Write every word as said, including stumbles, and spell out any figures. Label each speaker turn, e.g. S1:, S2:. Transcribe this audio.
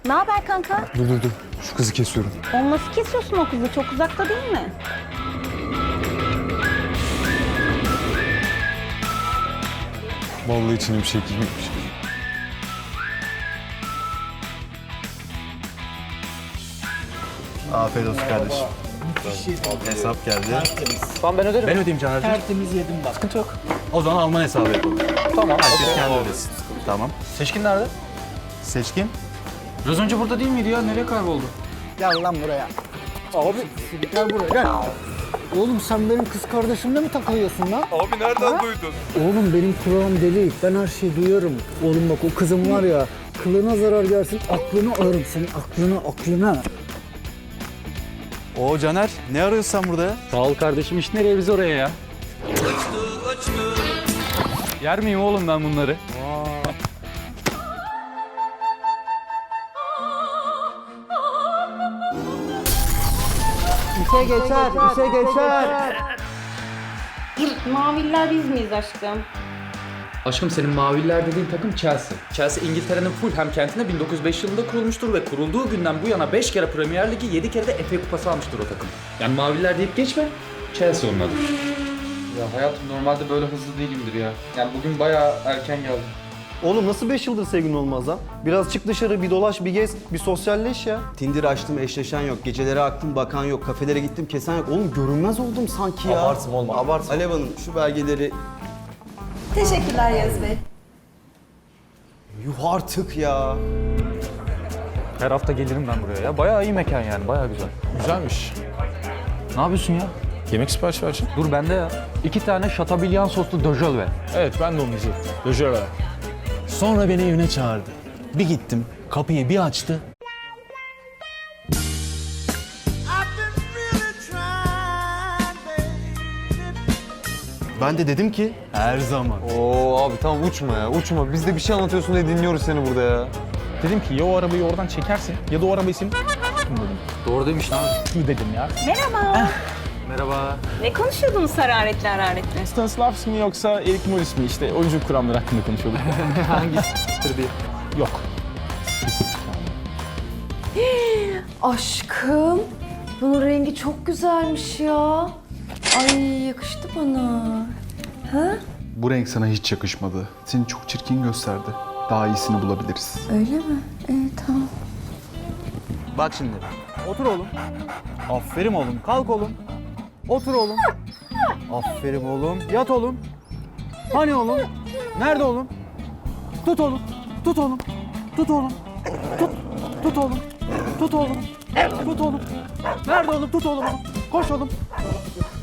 S1: Ne haber kanka?
S2: Dur dur dur. Şu kızı kesiyorum.
S1: Onu nasıl kesiyorsun o kızı? Çok uzakta değil mi?
S2: Vallahi içine bir şey girmemiş.
S3: Afiyet olsun kardeşim. Hesap geldi.
S4: Tamam ben öderim.
S5: Ben ödeyeyim Caner'cim.
S4: Tertemiz yedim bak.
S5: Sıkıntı yok. O zaman Alman hesabı yapalım.
S4: Tamam.
S5: Herkes kendi ödesin. Tamam.
S4: Seçkin nerede?
S3: Seçkin.
S5: Biraz önce burada değil miydi ya? Nereye kayboldu?
S4: Gel lan buraya. Abi gel buraya gel. Oğlum sen benim kız kardeşimle mi takılıyorsun lan?
S2: Abi nereden duydun?
S4: Oğlum benim kulağım deli. Ben her şeyi duyuyorum. Oğlum bak o kızım var ya, kılına zarar gelsin, aklını alırım senin, aklını, aklını.
S3: Oo Caner, ne arıyorsun sen burada ya?
S5: Sağ ol kardeşim. İş nereye biz oraya ya? Yer miyim oğlum ben bunları?
S4: İşe geçer, işe geçer.
S1: Maviller biz miyiz aşkım?
S6: Aşkım senin maviler dediğin takım Chelsea. Chelsea İngiltere'nin Fulham kentinde bin dokuz yüz beş yılında kurulmuştur ve kurulduğu günden bu yana beş kere Premier Ligi, yedi kere de F A Kupası almıştır o takım. Yani maviler deyip geçme, Chelsea onun adı. Ya hayatım normalde böyle hızlı değilimdir ya. Yani bugün bayağı erken geldim.
S3: Oğlum nasıl beş yıldır sevgilin olmaz lan? Biraz çık dışarı, bir dolaş, bir gez, bir sosyalleş ya.
S7: Tinder açtım, eşleşen yok. Gecelere aktım, bakan yok. Kafelere gittim, kesen yok. Oğlum görünmez oldum sanki ya.
S3: Abartma olma, abartma.
S7: Alev Hanım şu belgeleri...
S8: Teşekkürler Yağız Bey.
S7: Yuh artık ya.
S5: Her hafta gelirim ben buraya ya. Bayağı iyi mekan yani. Bayağı güzel.
S2: Güzelmiş.
S5: Ne yapıyorsun ya?
S2: Yemek sipariş vereceğim.
S5: Dur bende ya. İki tane şatabilyan soslu döjöl ver.
S2: Evet ben de onu diyecektim. Döjöre. Sonra beni evine çağırdı. Bir gittim, kapıyı bir açtı.
S3: Ben de dedim ki...
S2: Her zaman.
S9: Oo abi tamam uçma ya uçma. Biz de bir şey anlatıyorsun diye dinliyoruz seni burada ya.
S2: Dedim ki ya o arabayı oradan çekersin ya da o arabayı senin dedim.
S5: Doğru demiş lan.
S2: Şu dedim ya.
S1: Merhaba.
S5: Merhaba.
S1: Ne konuşuyordunuz hararetli hararetli?
S2: Stanislavski mi yoksa Erik Morris mi işte oyunculuk kuramları hakkında konuşuyorduk.
S5: Hangisidir diye.
S2: Yok.
S8: Aşkım, bunun rengi çok güzelmiş ya. Ay yakıştı bana. Ha?
S10: Bu renk sana hiç yakışmadı. Seni çok çirkin gösterdi. Daha iyisini bulabiliriz.
S8: Öyle mi? İyi tamam.
S3: Bak şimdi.
S4: Otur oğlum. Aferin oğlum, kalk oğlum. Otur oğlum. Aferin oğlum, yat oğlum. Hani oğlum? Nerede oğlum? Tut oğlum, tut oğlum, tut oğlum. Tut, tut oğlum, tut oğlum, tut oğlum. Nerede oğlum? Tut oğlum. Koş oğlum.